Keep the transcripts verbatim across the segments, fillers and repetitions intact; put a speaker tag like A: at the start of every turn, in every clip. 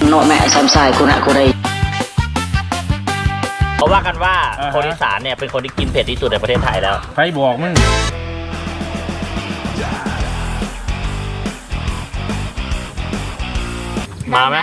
A: โนแม่ซ้ำทรายกูนะกูได้
B: เขาว่ากันว่าคนอีสานเนี่ยเป็นคนที่กินเผ็ดที่สุดในประเทศไทยแล้ว
C: ใครบอกมึง
B: มาไหม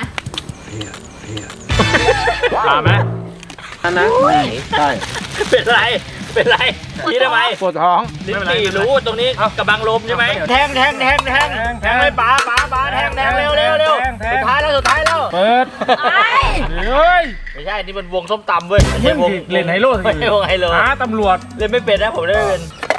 B: มาไหม
C: นั่นนะใช่
B: เป็นไรเป็นไรนี่ทำไม
C: ปวดท้อง
B: ลิ้นปี่รู้ตรงนี้กระบังลมใช่ไหมแทงแทงแทงแทงแทงเลยป๋าป๋าป๋าแทงแทงเร็วเร็วเร็วสุดท้ายแล้วสุดท้ายแล้ว
C: เปิดเฮ้ย
B: ไม่ใช่นี่มันวงส้มตำเว้ยไม่ใช่วง
C: เล่นไฮโล
B: ไม่ใช่วงไฮโล
C: หาตำรวจ
B: เล่นไม่เป็นนะผมเล่นไม่เป็น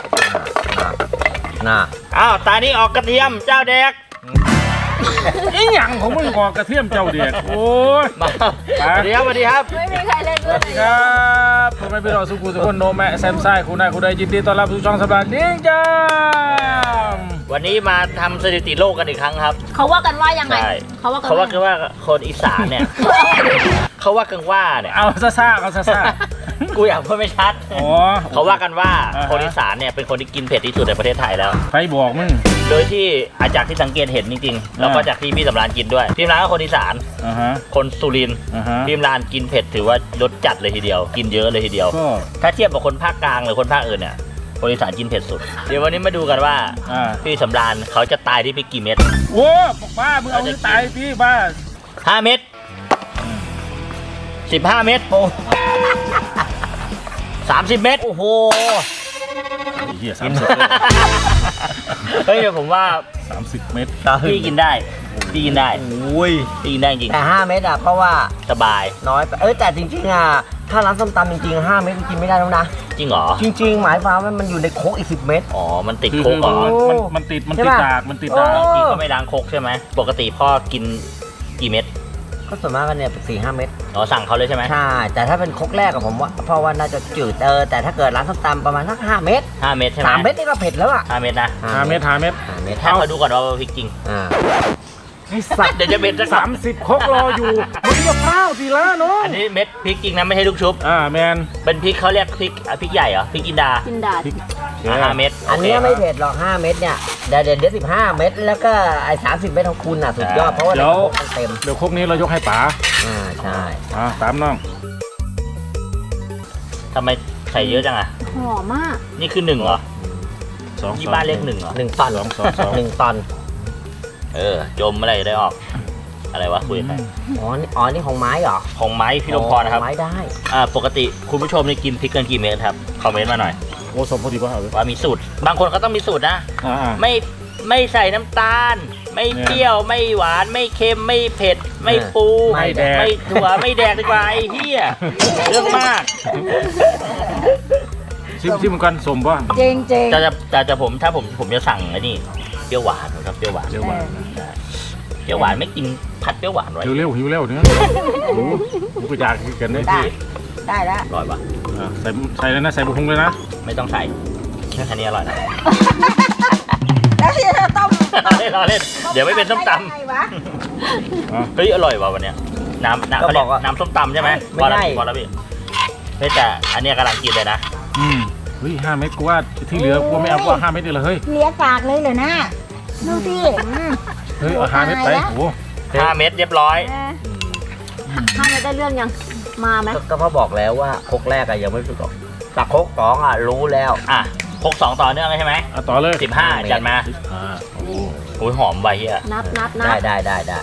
D: น่ะ
B: อ้าวตานี้ออกกระเทียมเจ้าแดก
C: ไอ้หยังของมึงกอกระเทียมเจ้าเด็กโอ้ย
B: มาสวัสดีครับสวัสดีครับ
E: ไม่มีใครเล่นด้วย
C: ครับผมไม่ไปรอสุกุสุคนโนแม่แซมไซคุณนายคุณได้ยินดีต้อนรับสู่ช่องสบายดิ้งจ้า
B: วันนี้มาทำสถิติโลกกันอีกครั้งครับ
E: เขาว่ากันว่ายังไง
B: เขาว่าเขาว่ากันว่าคนอีสานเนี่ยเขาว่ากันว่าเนี่ย
C: เอาซ่าซ่าเอาซ่าซ่า
B: กูอยากพูดไม่ชัดเขาว่ากันว่าคนอีสานเนี่ยเป็นคนที่กินเผ็ดที่สุดในประเทศไทยแล้ว
C: ใครบอกมึง
B: โดยที่อาจากที่สังเกตเห็นจริงๆแล้วก็จากที่พี่สำรานกินด้วยพี่สำรานก็คนอีสานคนสุรินทร์พี่สำรานกินเผ็ดถือว่ารสจัดเลยทีเดียวกินเยอะเลยทีเดียวถ้าเทียบกับคนภาคกลางหรือคนภาคอื่นเนี่ยคนอีสานกินเผ็ดสุดเดี๋ยววันนี้มาดูกันว่าพี่สำรานเขาจะตายที่พริกกี่เม็ด
C: โอ้บ้ามึงเอาที่ตายพี่บ้า
B: ห้าเม็ดสิบห้าเม็ดโอ้สามสิบเม็ดโอ้โห
C: เฮียสามสิบ
B: เฮ้ยเดี๋ยวผมว่า
C: สามสิบเม็ด
B: พี่กินได้พี่กินได้โอ้ยพี่กินได้จริง
D: แต่ห้าเม็ดอ่ะเพราะว่า
B: สบาย
D: น้อยเอ้ยแต่จริงๆอ่ะถ้าร้านส้มตำจริงๆห้าเม็ดกินไม่ได้แล้วนะ
B: จริงเหรอ
D: จริงๆหมายความว่ามันอยู่ในโคกอีกสิบเม็ด
B: อ๋อมันติดโคกเหรอ
C: มันมันติดมันติดดากมันติดดาก
B: พี่ก็ไม่ล้างโคกใช่ไหมปกติพ่อกินกี่เม็ด
D: ก็ส่วนมากกันเนี่ยสี่ห้าเม็ด
B: อ๋อสั่งเขาเลยใช่ไหม
D: ใช่แต่ถ้าเป็นโคกแรกกับผมว่าเพราะว่าน่าจะจืดเออแต่ถ้าเกิดร้านส้มตำประมาณสักห้าเม็ด
B: ห้าเม็ดใช่ไหม
D: สามเม็ดนี่ก็เผ็ดแล้วอ่ะ
B: ห้าเม็ดนะ
C: ห้าเม็ดห้าเม็ด
D: ห้าเม็ด
B: ถ้าเขาดูก่อนว่าพริกจริง
D: อ่า
B: เดี๋ยวจะเม็ด
C: สามสิบโคกรออยู่มึงจะเฝ้าทีละเนาะ
B: อันนี้เม็ดพริกจริงนะไม่ใช่ลูกชุบ
C: อ่าแมน
B: เป็นพริกเขาเรียกพริกพริกใหญ่เหรอพริกจินดา
E: จินดา
B: ห้าเม็ด
D: อันนี้ไม่เผ็ดหรอกห้าเม็ดเนี่ยเดี๋ยวเดี๋ยวสิบห้าเม็ดแล้วก็ไอ้สามสิบเม็ดของคุณอ่ะสุดยอดเพราะว่า
C: เดี๋ยว
D: เต็ม
C: เดี๋ยวโคกนี้เรายกให้ป๋า
D: อ่าใช่
C: อ่าตามน้อง
B: ทำไมใส่เยอะจังอ่ะ
E: หอมมาก
B: นี่คือหนึ่งเหรอสองที่บ้านเรียกหนึ่งเหรอ
D: หนึ่งตอนหนึ่งตอน
B: เออจมอะไรได้ออกอะไรวะคุยกัน
D: อ๋อนี่อ๋อนี่ของไม้เหรอ
B: ของไม้พี่ลมพรนะครับ
D: ไม้ได้
B: อ่าปกติคุณผู้ชมนี่กินพริกกันกี่เม็ดครับคอมเมนต์มาหน่อย
C: โอ้สมพอดีป่ะ
B: ว่ามีสูตรบางคนเขาต้องมีสูตรนะไม่ไม่ใส่น้ำตาลไม่เปรี้ยวไม่หวานไม่เค็มไม่เผ็ดไม่ปู
C: ไม่แดก
B: ไม่ถั่วไม่แดกดีกว่าไอ้เหี้ยเรื่องมาก
C: ชิมชิมกันสมป่ะ
E: จริงจริง
B: จะจะจะผมถ้าผมผมจะสั่งไอ้นี่เปรี้ยวหวานครับเปรี้ยวหวาน
C: เปรี้ยวหวาน
B: เปรี้ยวหวานไม่กินผัดเปรี้ยวหวานไว้
C: หิวเร็วหิวเร็วเนี่ยโอ้โหกูอยากกินได้
E: พี่ได้แล้ว
B: อร่อยปะ
C: ใส่ใส่เลยนะใส่บุ้งเลยนะ
B: ไม่ต้องใส่แค่นี้อร่อยนะ
E: แล้วที่จะต้ม
B: เล่นรอเล่นเดี๋ยวไม่เป็นส้มตำเฮ้ยอร่อยว่ะวันเนี้ยน้ำน้ำเขาเรียกน้ำส้มตำใช่ไหมพอแล้วพอแล้วพี่เฮ้ยแต่อันนี้กำลังกินเลยนะ
C: อืมเฮ้ยห้าเม็ดกูว่าที่เหลือกูไม่เอากูว่าห้าเม็ดเลยเฮ้ย
E: เลี้ยปากเลยเหรอนะดูสิ
C: เฮ้ยเอาห้าเม็ดไปโอ้
B: ห้าเม็ดเรียบร้อย
E: ห้าเม็ดได้เรื่องยังมาไหม
D: ก็พ่อบอกแล้วว่าโคกแรกอะยังไม่ฝึกหรอกแต่โคกสองอะรู้แล้ว
B: อ่ะโคกสองต่อเนื่องเลยใช่ไหม
C: ต่อเลย
B: สิบห้าจัดมาโอ้ยหอมใบเฮีย
E: นับนับนับ
D: ได้ได้ได้ได้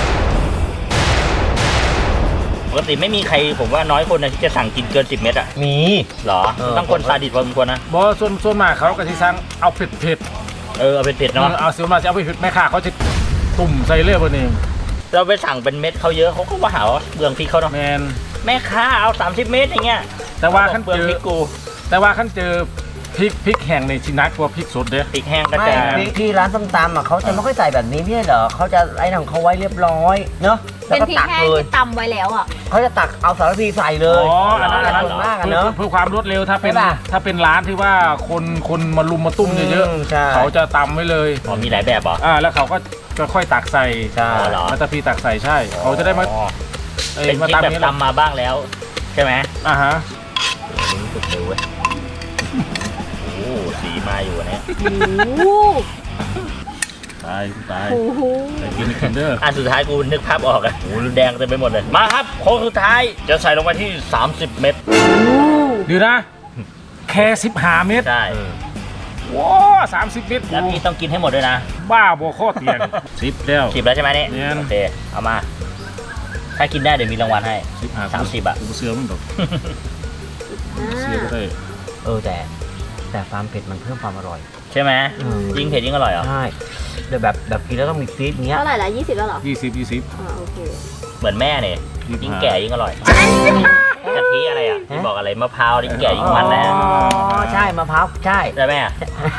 B: ปกติไม่มีใครผมว่าน้อยคนนะที่จะสั่งกินเกินสิบเม็ดอ่ะ
D: มี
B: หรอต้องคนซาดิสพอสมควรนะ
C: บอส่วนส่วนมากเขาก็ที่สั่งเอาเผ็ดเผ็ด
B: เออเอาเผ็ดเผ็ดเนาะ
C: เอาส่วนมากจะเอาเผ็ดแม่ค้าเขาจะตุ่มใส่เลือดบนนี้
B: เราไปสั่งเป็นเม็ดเขาเยอะเขาก็ว่าหาว่าเบืองพริกเขาเนาะ
C: แมน
B: แม่ค้าเอาสามสิบเม็ดอย่างเงี้ย
C: แต่ว่าขั้นเจอ
B: พริกกู
C: แต่ว่าขั้นเจอพริกพริกแห้งในชินักกว่าพริกสดเด้
B: พริกแห้งก็จะ
D: พริกที่ร้านส้มตำอ่ะเขาจะไม่ค่อยใส่แบบนี้ไม่ใช่เหรอเขาจะไอ้นั่นเขาไว้เรียบร้อยเนาะ
E: เป็นพริกแห้งที่ตำไว้แล้วอ่ะ
D: เขาจะตักเอาสารพีใส่เลย
C: อ๋ออันนั้นอันนั้น
D: มากเนาะ
C: เพื่อความรวดเร็วถ้าเป็นถ้าเป็นร้านที่ว่าคนคนมาลุมมาตุ้มเยอะๆเขาจะตำไว้เลย
B: อ๋อมีหลายแบบเหรอ
C: อ่าแล้วเขาก็จะค่อยตักใส่
D: ใช่
C: มาตะพีตักใส่ใช่เขาจะได้มา
B: เป็นพริกแบบตำมาบ้างแล้วใช่ไหม
C: อ่าฮะ
B: นี่สุดเลยเว้ยโอ้สีมาอยู่เนี่ย
C: ตายตาย
E: โอ้โห
C: แต่กินกินเด้อ
B: อันสุดท้ายกูนึกภาพออกอะโอ้โหแดงเต็มไปหมดเลยมาครับโค้งสุดท้ายจะใส่ลงไปที่สามสิบเม็ด
C: เดี๋ยวนะแค่สิบห้าเมตร
B: ใช่
C: ว้าสามสิบเมตร
B: แล้วพี่ต้องกินให้หมดด้วยนะ
C: บ้าบ่ข้อเตียงสิบแล้ว
B: สิบแล้วใช่ไหมเนี่ย
C: เนี่ย
B: โอเคเอามา ถ้ากินได้เดี๋ยวมีรางวัลให้
C: สิบห้า
B: สามสิบอะ
C: กูเสือมันดอก
E: อ่า
C: เสือก็ได้
D: เออแต่แต่ความเผ็ดมันเพิ่มความอร่อย
B: ใช่ไหม
D: อืม
B: ยิ่งเผ็ดยิ่งอร่อยเหรอ
D: ใช่แต่แบบแบบกินแล้วต้องมีฟีดเงี้ย
E: เท่าไหร่ละยี่สิบแล้วเหรอ
C: ยี่สิบยี่สิบ
E: อ่าโอเค
B: เหมือนแม่เนี่ย
C: ยี่สิบห้า
B: ยิ่งแก่ยิ่งอร่อยกะทิอะไรอ่ะที่บอกอะไรมะพร้าวยิ่งแก่ยิ่งมันนะ
D: อ๋อใช่มะพร้าวใช่
B: ใช่ไหมอะ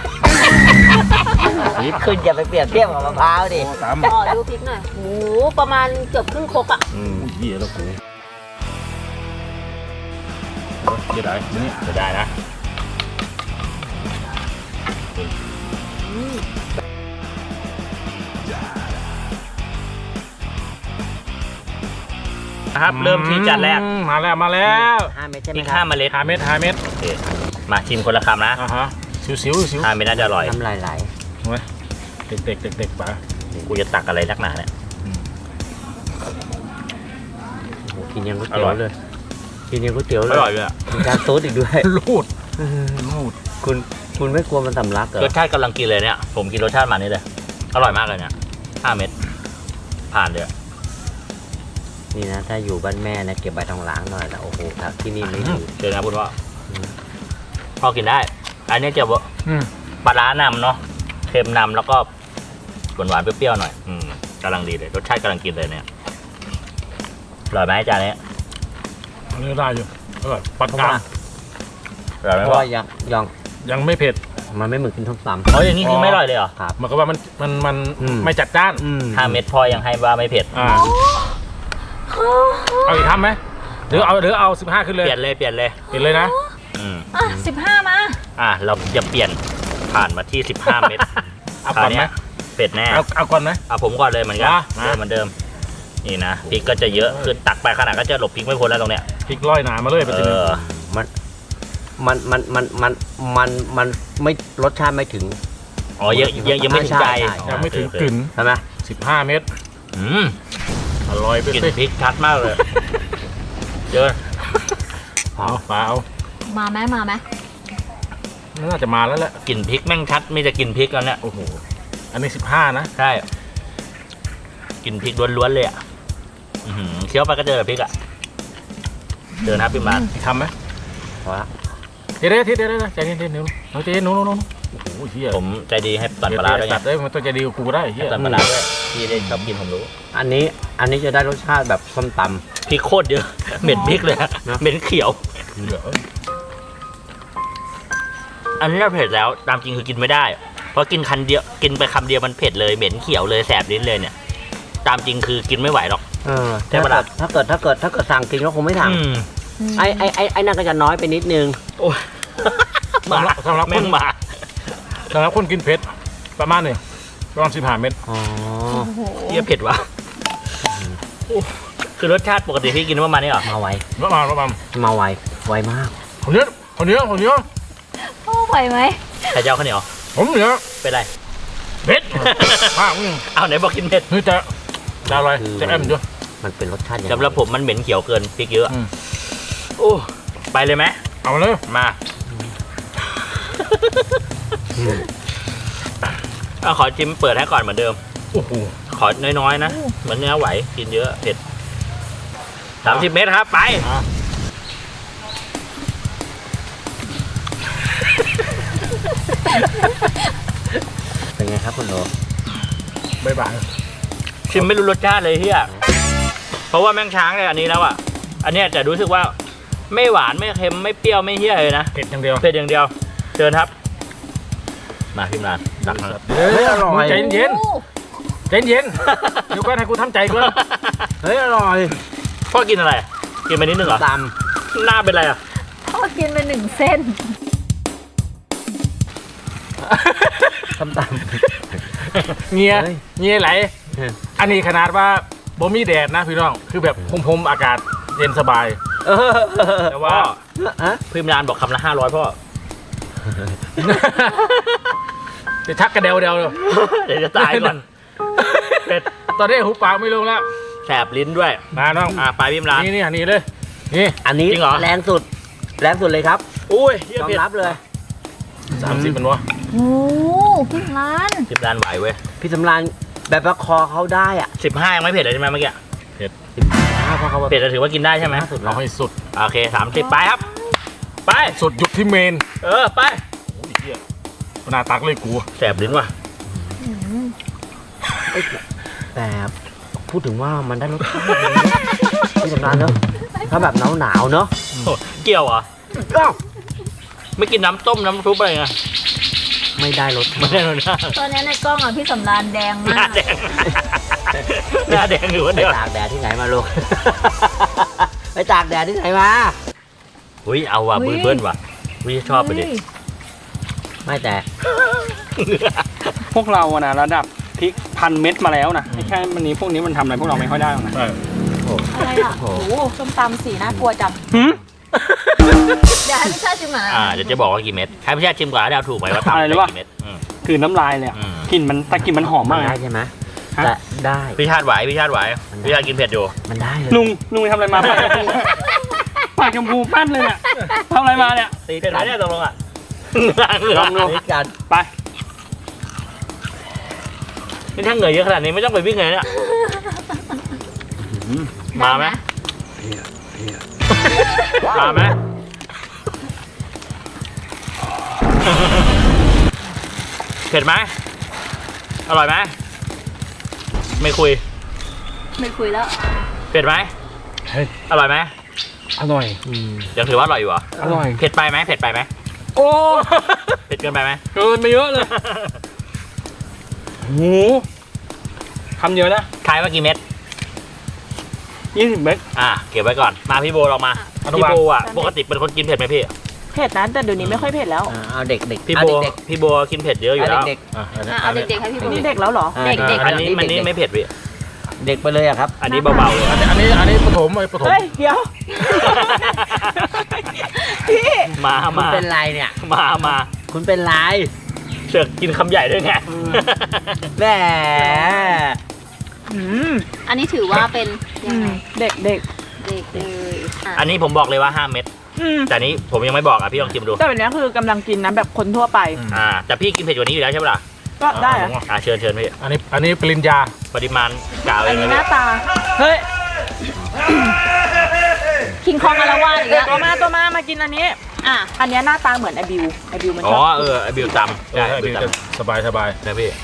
D: คุณอย่าไปเปรียบเทียบกับมะพร้าวดิ
C: โอ้สาม
E: อ๋อดูพริกหน่อยโอ้โหประมาณเกือบครึ่งครกอ่ะ
D: อืม
C: อุ้ยเหี้ยแล้วกูเดี๋ยวได้นี่
B: จะได้นะ นะครับ เริ่มที่จานแรก
C: อืมมาแล้วมาแล้ว
D: ห้าเม็ดใช่ไห
B: พ
D: ม
B: ริก
D: ค
B: ห้า
D: รับ
B: เมล็ด
C: ห้าเม็ดห้าเม็ด
B: โอเคมาชิมคนละคำนะ
C: อ่าฮะสิวสิวสิว
B: ห้าเม็ดน่าจะอร่อย
D: น้ำลายไหล
C: เว้ยเด็กเด็กเด็กเด็กๆป่ะ
B: กูจะตักอะไรนักหนาเนี่ย
D: โอ้โหกินยังก๋วย
B: อ
D: เตี๋ย
B: ร่
D: ว
B: อย
D: เลยกินยังก๋วยเตี๋ยวเล
B: อย ร่อยเลยอะ
D: มีการซูดอีกด้วย
C: ลูดลูด
D: คุณคุณไม่กลัวมันสำลักเหรอ
B: รสชาติกำลังกินเลยเนี่ย ผมกินรสชาติมันนี่เลย อร่อยมากเลยเนี่ยห้าเม็ดผ่านเลยอะ
D: นี่นะถ้าอยู่บ้านแม่นะเก็บใบทองหลางหน่อยนะโอ้โหครับที่นี่ไม่มี
B: เจอนะพูดว่าพอกินได้ อันนี้จะว่า
C: อืม
B: ปลาร้านำเนาะเค็มนำแล้วก็หวานหวานๆเปรี้ยวๆหน่อยอืมกำลังดีเลยรสชาติกำลังกินเลยเนี่ยอร่อยไหมจานนี้
C: อันนี้ได้อยู่อร่อยปาน
D: เพราะ
C: กลา
D: ว่าง
B: อร่อยไหม
D: เพราะ
B: พ่อ
D: ว่ายังยัง
C: ยังไม่เผ็ด
D: มันไม่เหมือนกินส้มตำ
B: อ๋ออย่างนี้คือไม่อร่อยเลยเหรอ
D: ครับ
C: มันก็ว่ามันมันมัน
D: อืม
C: ไม่จัดจ้าน
D: อืม
B: ห้าเม็ดพ่อยังให้ว่าไม่เผ็ด
C: อ่าเอาอีกทำไหมหรือเอาหรือเอาสิบห้าขึ้นเลย
B: เปลี่ยนเลยเปลี่ยนเลย
C: เปลี่ยนเลยนะ
B: อืม
E: อ่ะสิบห้ามา
B: อ่ะเราจะเปลี่ยนผ่านมาที่สิบห้าเม็ด
C: เอาก่อนไหม
B: คราวเยเผ็ดแน่
C: เอาเอาก่อนไหม
B: เอาผมก่อนเลยเหมือนกัน
C: อ่ะ
B: เดิมเหมือนเดิมนี่นะพริกก็จะเยอะคือตักไปขนาดก็จะหลบพริกไม่พ้นแล้วตรงเนี้ย
C: พริกร้อยหนามาเลยไป
B: เอ
C: ทีนึง
B: อ
D: มันมันมันมันมันมันมันไม่รสชาติไม่ถึง
B: อ๋อยังยังยังไม่ถึงใจ
D: ใช่ใช่
C: ยังไม่ถึง
B: โอเค
C: กลิ่น
D: ใช่ไหม
C: สิบห้าเม็ด
B: อืม
C: อร่อยไป
B: กลิ่น
C: สิ
B: พริกชัดมากเลยเยอะ
C: เอาเปล่า
E: มาไหมมาไหม
C: น่าจะมาแล้วแหละ
B: กลิ่นพริกแม่งชัดไม่จะกลิ่นพริกแล้วเนี่ย
C: โอ้โหอันนี้สิบห้านะ
B: ใช่กลิ่นพริกล้วนๆเลยอ่ะอื้อหือเคี้ยวไปก็เจอแต่พริกอ่ะเจอนะพี่มาร์ค
C: ทำไหม
D: เพราะว่า
C: เดี๋ยวเดี๋ยวเดี๋ยวเดี๋ยวใจเย็นเดี๋ยวเราใจเย็นนู้นนู้นนู้นโอ้โหเฮีย
B: ผมใจดีให้ตัดปลาร้าด้วยไง
C: ตัดได้มันต้องใจดีกับกูได้เฮีย
B: ตัดปลาร้าด้วยพี่ได้ชอบกินผมรู้
D: อันนี้อันนี้จะได้รสชาติแบบส้มต
B: พริกโคตรเยอะ เหม็นพริกเลยอะ
D: นะ
B: เหม็นเขียว
C: เหลือ
B: อันนี้เราเผ็ดแล้วตามจริงคือกินไม่ได้ เพราะกินคันเดียวกินไปคำเดียวมันเผ็ดเลยเหม็นเขียวเลยแสบลิ้นเลยเนี่ย ตามจริงคือกินไม่ไหวหรอก
D: ำเออ
B: ใช่
D: ถ้า
B: ปะ
D: เกิ
B: ล่ะ
D: ดถ้าเกิดถ้าเกิดถ้าเกิดสั่งกินก็คงไม่สั่ง
B: อืม
D: ไอ้ไอ้ไอ้ไอ้นั่นก็จะน้อยไปนิดนึง
B: โอ้ย
C: สำหรับสำหรับค
B: แม่
C: น
B: งมา
C: สำหรับคนกินเผ็ดประมาณนี้ประมาณสิบห้าเม็ด
D: อ๋อ
E: โอ้โห
B: เยี่ยเผ็ดวะคือรสชาติปกติพี่กินประมาณนี้เหรอ
D: มาไว
C: ประมาณประมาณ
D: มาไวไวมาก
C: คนเนี้ยคนเนี้ยคนเนี้ย
E: โอ้ไหวไหม
B: ใครจะเอาข้าวเหนียว
C: ผมเนี้ย
B: เป็นไร
C: เผ็ดมากมึง
B: เอาไหนบอกกินเผ็ด
C: นี่จะจะอะไรจะแอมด้วย
D: มันเป็นรสชาติยังไง
B: สำหรับผมมันเหม็นเขียวเกินพริกเยอะ
C: อืม
B: โอ้ไปเลยไหม
C: เอาเลย
B: มา
D: อืม
B: เอาขอจิ้มเปิดให้ก่อนเหมือนเดิม
C: โอ้โห
B: ขอน้อยๆนะเหมือนเนื้อไหวกินเยอะเผ็ดสามสิบเมตรครับไป
D: เป็นไงครับคุณโอ
C: บ๊ายบาย
B: ชิมไม่รู้รสชาติเลยเฮียเพราะว่าแม่งช้างเลยอันนี้แล้วอ่ะ อันเนี้ยจะรู้สึกว่าไม่หวานไม่เค็มไม่เปรี้ยวไม่เฮี้ยเลยนะ
C: เผ็ดอย่างเดียว
B: เผ็ดอย่างเดียวเชิญครับ มาพิมรานดักมา
C: เฮ้ยอร่อยใจเย็น
E: โอ้
C: ใจเย็นเดี๋ยวก่อนให้กูทำใจก่อน
D: เฮ้ยอร่อย
B: พ่อกินอะไร กินไปนิดนึงเหรอ
D: ต
B: หน้าเป็นอะไรอ่ะ
E: พ่อกินไปหนึ่งเส้น
D: ำส้มต
C: เงีย
D: เฮ้ย
C: เงียไหล
D: ำ
C: อันนี้ขนาดว่าบ่มีแดดนะพี่น้องคือแบบพรมๆอากาศเย็นสบาย
D: เออ
C: แต่ว่า
D: ฮะ
B: พิมรานบอกคำละห้าร้อยพ่อ
C: จะชักกระเดวเดวเลย
B: เดี๋ยวจะตายก่อน
C: เป็ดตอนนี้หูปากไม่ลงแล้ว
B: แสบลิ้นด้วย
C: มาน้อง
B: อ่าไปพิมร้าน
C: นี่นี่อันนี้เลยนี่
D: อันนี้
B: จริงเหรอ
D: แรงสุด แรงสุดเลยครับ
B: อุ้ยเหี้ย
D: ยอม
B: เผ็ด
D: รับเลย
C: สามสิบมันวะ
E: โอ้พี่ร้าน
B: สิบร้านไหวเว้ย
D: พี่สำรานแบบว่าคอเขาได้อ่ะ
B: สิบห้ายังไม่เผ็ดเลยใช่ไหมเมื่อกี้
D: อ้าวเพราะเขา
B: เผ็ดจะถือว่ากินได้ใช่ไหม
C: เราให้สุด
B: โอเคสามสิบไปครับ ไป
C: สุดหยุดที่เมน
B: เออไป
C: โอ้ยเหี้ยหน้าตักเลยกู
B: แสบลิ้นว่ะ
D: แต่พูดถึงว่ามันได้รสชาติดีนะพี่สำรานเนอะถ้าแบบหนาวหนาวๆเนอะ
B: โอ้เกี่ยวเหรอ
D: อ้าว
B: ไม่กินน้ำต้มน้ำซุปอะไรไง
D: ไม่ได้รส
B: ไม่ได้เลยนะ
E: ตอนนี้ในกล้องอ่ะพี่สำรานแดง
B: ห
E: มา
B: น้าก แดงหน้าแดงอยู่คน
D: ไป
B: เดียว
D: ตากแดดที่ไหนมาลูก ไปตากแดดที่ไหนมา
B: อุ้ยเอาว่ะบืนเบิ้ลว่ะอุ้ยชอบไปดิ
E: เฮ้ย
D: ไม่แต่
F: พวกเราอะนะระดับพริกพันเม็ดมาแล้วนะไม่ใช่มันนี้พวกนี้มันทำอะไรพวกเราไม่ค่อยได้หรอกนะ
E: อะไรอ่ะโอ้โหส้มตำสีน่ากลัวจัง
F: หืม
E: เดี๋ยวให้พี่ชาติชิมก่อนนะ
B: อ่าเดี๋ยวจะบอกว่ากี่เม็ดให้พี่ชาติชิมก่อนแล้วเดาถูกไหมว่าทำ
F: อะไร
B: ได้
F: รู้ป่ะ
B: กี่เม็ดอืม
F: คือน้ำลายเลยอะ
B: อืม
F: กลิ่นมันแต่กลิ่นมันหอม
D: มั
F: มาน ก
D: ได้
F: นะ
D: ใช่ไหม
F: ฮะ
D: แต่ได้
B: พี่ชาติไหวพี่ชาติไหวพี่ชาติกินเผ็ดอยู่
D: มันได้เลย
F: ลุงลุงไปทำอะไรมาปากชมพูปากชมพูแป้นเลยเนี่ยทำอะไรมาเนี่ย
D: ตี
B: เผ็ดไหม
D: กัน
B: เนี่ยตกลงอ่ะ
F: ลองดู
D: ตีกัน
F: ไป
B: นี่ถ้าเหงื่อเยอะขนาดนี้ไม่ต้องไปวิ่งเลยเนี่ยมาไหมมาไหมเผ็ดไหมอร่อยไหมไม่คุย
E: ไม่คุยแล้ว
B: เผ็ดไหม
C: เฮ้ย
B: อร่อยไหม
C: อร่อย
B: ยังถือว่าอร่อยอยู่เหรอ
C: อร่อย
B: เผ็ดไปไหมเผ็ดไปไหม
F: โอ้
B: เผ็ดเกินไปไหม
F: เกินไปเยอะเลยโหคำเดียวนะ
B: ทายว่ากี่เม็ด
F: ยี่สิบเม็ด
B: อ่ะเก็บไว้ก่อนมาพี่โบลองมา
C: อนุ
B: พี่
C: บาล
B: โบอ่ะปกติเป็นคนกินเผ็ดไหมพี่
G: เผ็ดนะแต่เดี๋ยวนี้ไม่ค่อยเผ็ดแล้ว
D: อ่าเอาเด็กเด็ก
B: พี่
D: เอา
B: โบ
D: เด็ก
B: พี่โบกินเผ็ดเยอะ
D: ๆ
B: อยู่
D: เอา
B: แล้ว
D: เด็ก
C: อ่ะอันนี้
E: อ่ะเอาเด็กๆให้พี่
G: อั
E: บู
G: นนี้เด็กแล้วเหรอ
D: ๆอ่า
E: เด็กๆ
B: อันนี้มันนี่ไม่เผ็ดพี่
D: เด็กไปเลยอะครับ
B: อันนี้เบาๆเลย
C: อันนี้อันนี้อันนี้ปฐมไอ้ปฐม
G: เฮ้ย เดี๋ยว พี่
B: มา
D: คุณ
B: มา
D: เป็นไรเนี่ย
B: มามา
D: คุณเป็นไร
B: เสือกกินคำใหญ่ด้วยไง
D: แหม
G: อืม
E: อันนี้ถือว่าเป็น
G: อื
E: ยังไง
G: มเด็กเด็ก
E: เด็กเลยอ่ะ
B: อันนี้ผมบอกเลยว่าห้าเม็ด
G: อืม
B: แต่อันนี้ผมยังไม่บอกอ่ะพี่ลองชิมดู
G: แต่แบบนี้คือกำลังกินนะแบบคนทั่วไป
B: อ่าแต่พี่กินเผ็ดกว่านี้อยู่แล้วใช่ปะล่ะ
G: ก็ได้อะ
B: อ่าเชิญเชิญพี่
C: อันนี้อันนี้ปริญญา
B: ปริมาณกล่าวเอ
G: อัน
B: งเล
G: นี้
B: ย
G: ห
B: พี่
G: น้าตา เฮ้ย
E: คิงคองอารวาสอีกแล้ว
G: ตัวมาตัวมามากินอันนี้
E: อ่ะ
G: อันเนี้ยหน้าตาเหมือนไอบิวไอบิวมัน
B: อ๋
G: ช
B: อ
G: อบ
B: เออไอบิวตำ
C: เอ
B: ใช่
C: อ
B: ไอบิ
C: ดี
B: วต
C: จะสบายสบาย
B: ำนะพี่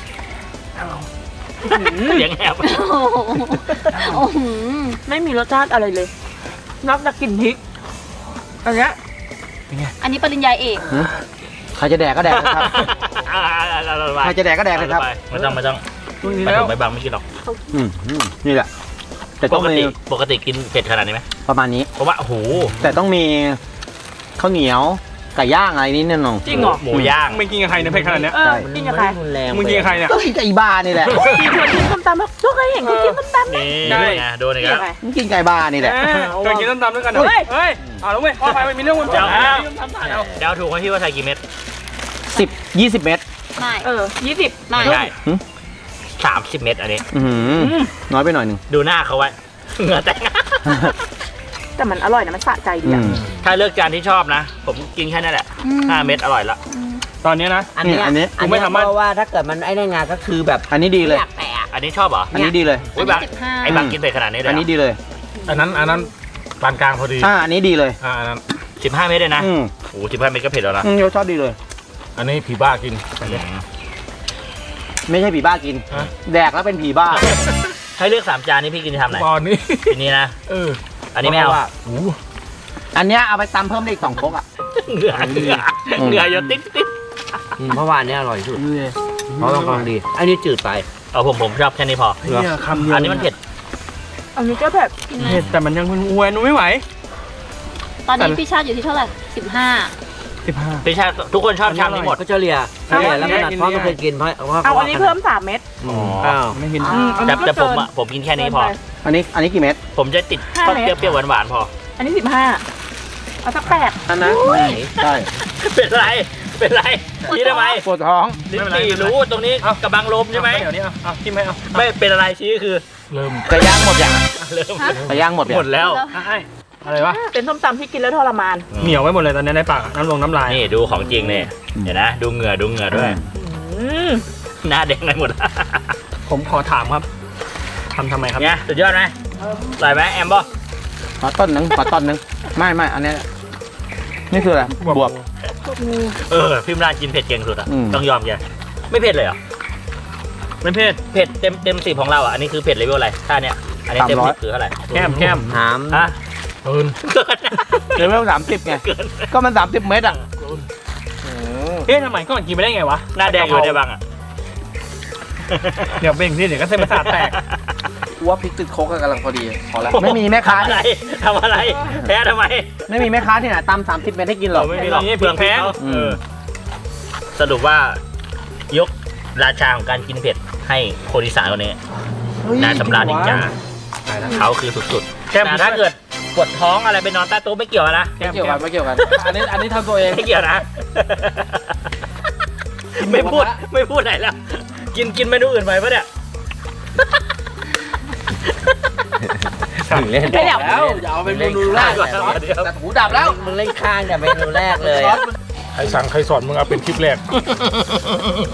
G: หืม
B: เสียงแหบ
E: โอ้โหโอ้โห
G: ไม่มีรสชาติอะไรเลย นอกจากกลิ่นพริก อันเนี้ย
E: อันนี้ปริญญาเอก
D: ใครจะแดกก็แดกนะครับ
B: อ่าเราเรา
D: ใครจะแดกก็แดกเลยครับ
B: ไม่ต้องไม่ต้อง
F: ตรงนี้
B: ไม่
F: แล้
B: ต้
F: ว
B: องไม่บังไม่กินหรอก
D: อืมอืมนี่แหละ แต่
B: ป
D: ต้อง
B: ก
D: มี
B: ติปกติกินเผ็ดขนาดนี้ไหม
D: ประมาณนี้
B: เพราะว่าโอ้โห
D: แต่ต้องมีข้าวเหนียวไก่ย่างอะไรนิดนึง
G: จริงเหรอ
B: หมูย่าง
F: มึงกินกับใครเนี่ยเผ็ดขนาดเนี้ย
G: เออ กินกับใคร
D: รุนแรง
F: มึงกินกับใครเนี่ย
D: ก็กินกับอีบ้านี่แหละ
G: กินชวนกินส้มตำแล้วทุกคนเห็นเขากินส้มตำไหม
B: นี่
F: ได้
B: ไงโดนอีก
G: กิน
B: แล้ว
G: กับใคร
D: มึงกินไก่บ้านี่แหละ
F: เออเคยกินต้มตำด้วยกันเหรอ
G: เฮ้ย
F: เฮ้ยเอาแล้วเว้ยพ่อไปมีเรื่องวน
B: เดี๋ยว
F: เอา
B: เดาถูกไหมพี่ว่าใส่กี่เม็ด
D: สิบยี่สิบเมตร
E: ไม่
G: เออยี่สิบ
E: ไม่
B: ใช่สามสิบเม็ดอันนี้
D: อื้อหือน้อยไปหน่อยหนึ่ง
B: ดูหน้าเขาไว้ เหงื่อแตก
G: แต่มันอร่อยนะมันสะใจดี
D: อื
G: อะ
D: ม
B: ถ้าเลือกจานที่ชอบนะ ผมกินแค่นั้นแหละห้าเม็ดอร่อยละ
F: ตอนนี้นะ
D: อันนี้อันนี้
F: กูไม่ทำมัน
D: เพราะว่าถ้าเกิดมันไอ้นั่นงานก็คือแบบอันนี้ดีเลย
E: อยากแตะ
B: อันนี้ชอบเหรอ
D: อันนี้ดีเลย
B: อุ้ยบัง
E: สิบห้า
B: ไอ้บังกินเผ็ดขนาดนี้เลย
D: อันนี้ดีเลย
C: อันนั้นอันนั้นปานกลางพอดี
D: อ่าอันนี้ดีเลย
C: อ่าอันนั้น
B: สิบห้าเม็ดเลยนะ
D: อืม
B: โอ้สิบห้าเม็ดก็เผ็ดแล้วนะ
D: อืมรสชาติดีเลย
C: อันนี้ผีบ้ากิน
D: ไม่ใช่ผีบ้ากิน
C: ฮะ
D: แดกแล้วเป็นผีบ้า
B: ให้เลือกสามจานนี้พี่กินจะทำไหน
C: ตอนนี้
B: ทีนี้นะ
C: เออ
B: อันนี้ไม่เอา
C: โอ้
D: อันเนี้ยเอาไปตำเพิ่มได้อีกสองครกอ่ะ
B: เหงื่อเหงื่อเหงื่อหยดติ๊ดติ๊ด
D: เพราะว่าอันเนี้ยอร่อยที่สุดเพราะต้องกำลังดี อันนี้จืดไป
B: เอาผมผมชอบแค่นี้พอ
C: เนี่ยคำเดียว
B: อันนี้มันเผ็ด
G: อันนี้ก็แบบ
F: เผ็ดแต่มันยังอ้วนหนูไม่ไหว
E: ตอนนี้พี่ชาติอยู่ที่เท่าไหร่สิบห้า
F: สิบห้า
B: พี่ชาติทุกคนชอบชามนี้หมด
D: ก็เฉลี่ยเฉลี่ยแล้วขนาดพ่อไม่เคยกินเพราะเพราะ
G: เอาอันนี้เพิ่มสามเม็ด
D: อ๋ออ้าว
F: ไม่เห็น
G: อืมอัน
B: แต่
G: นี้ก็
B: แต่ผม
G: เกิน
B: อ่ะผมกินแค่นี้พอ
G: เกิไป
D: อันนี้อันนี้กี่เม็ด
B: ผมจะติด
G: ห้า
B: ชอบ
G: เม็ด
B: เปรี้ยวๆหวานๆพอ
G: อันนี้สิบห้าเอาสักแปด
D: อันนั้นใช่
B: เป็นไรเป็นไรชี้ทำไม
D: ปวดท้อง
B: ลิ้นปี่รู้ตรงนี้กระบังลมใช่ไหม
F: เดี๋ยวนี้เอาเอาจิ้มให้เอา
B: ไม่เป็นอะไรชี้คือ
C: เริ่ม
D: กระย่างหมดอย่าง
B: เริ่ม
D: กระย่างหมด
B: หมดแล้ว
F: อ่ะไอ้อะไรวะ
G: เป็นส้มตำที่กินแล้วทรมาน
F: เหนียวไว้หมดเลยตอนนี้ในปากน้ำลงน้ำลาย
B: นี่ดูของจริงเนี่ยเดี๋ยวนะ ดูเหงื่อดูเหงื่อด้วย
G: อืม
B: หน้าแดงเลยหมด
F: ผมขอถามครับทำทำไมครับ
B: เนี่ยสุดยอดไหมอร่อยไหมแอมบอ
D: ขอต้นหนึ่งขอต้นหนึ่งไม่ไม่อันนี้นี่คืออะไรบวบ
B: เออพิมรานกินเผ็ดเก่งสุดอ่ะ
D: อืม
B: ต้องยอมแกไม่เผ็ดเลยเหรอ
F: ไม่เผ็ด
B: เผ็ดเต็มเต็มสิบของเราอ่ะอันนี้คือเผ็ดเลเวลอะไรถ้าเนี้ยอันนี้เต็มสิบคือเท่าไหร่
F: แก้มแก้ม
D: หาม
B: ฮะ
C: เอิน
B: เกิน
D: เลเวลสามสิบไง
B: เกิน
D: ก็มันสามสิบเมตรอ่ะ
F: เอ๊ะทำไมก่อนกินไม่ได้ไงวะ
B: หน้าแดงอยู่ได้บ้างอ่ะ
F: เดี๋ยวเบ่งที่เดี๋ยวก็เส้นประสาทแตก
D: ว่าพริกติดโคกกำลังพอดีพอแล้วไม่มีแม่ค้า
B: ทำอะไรทำอะไรแพ้ทำไม
D: ไม่มีแม่ค้าที่ไหนตำสามสิบเมตรให้กินหรอก
B: ไม่มีหรอก
F: นี่
B: เปลือง
F: พริกแพ้
B: เขา
D: อืม
B: เออสรุปว่ายกราชาของการกินเผ็ดให้คนอีสานคนนี้นายสำราญอิงจาเขาคือสุดๆแต่ถ้าเกิดปวดท้องอะไรไปนอนใต้โต๊ะไม่เกี่ยวนะ
D: ไม่เกี่ยวกันไม่เกี่ยวกัน อันนี้อันนี้ทำตัวเอง
B: ไม่เกี่ยวนะ ไม่พูดไม่พูดไหนแล้ว กินกินเมนูอื่นไปปะเนี่ย
D: ถึงเล่น
G: ไม่อยาก
D: แล้วอย่าเอาเป็นเมนูแรก
B: เดี๋ยว
D: แต่หูดับแล้ว
A: มึงเล่นข้างแต่เมนูแรกเลย
C: ใครสั่งใครสอนมึงเอาเป็นคลิปแรก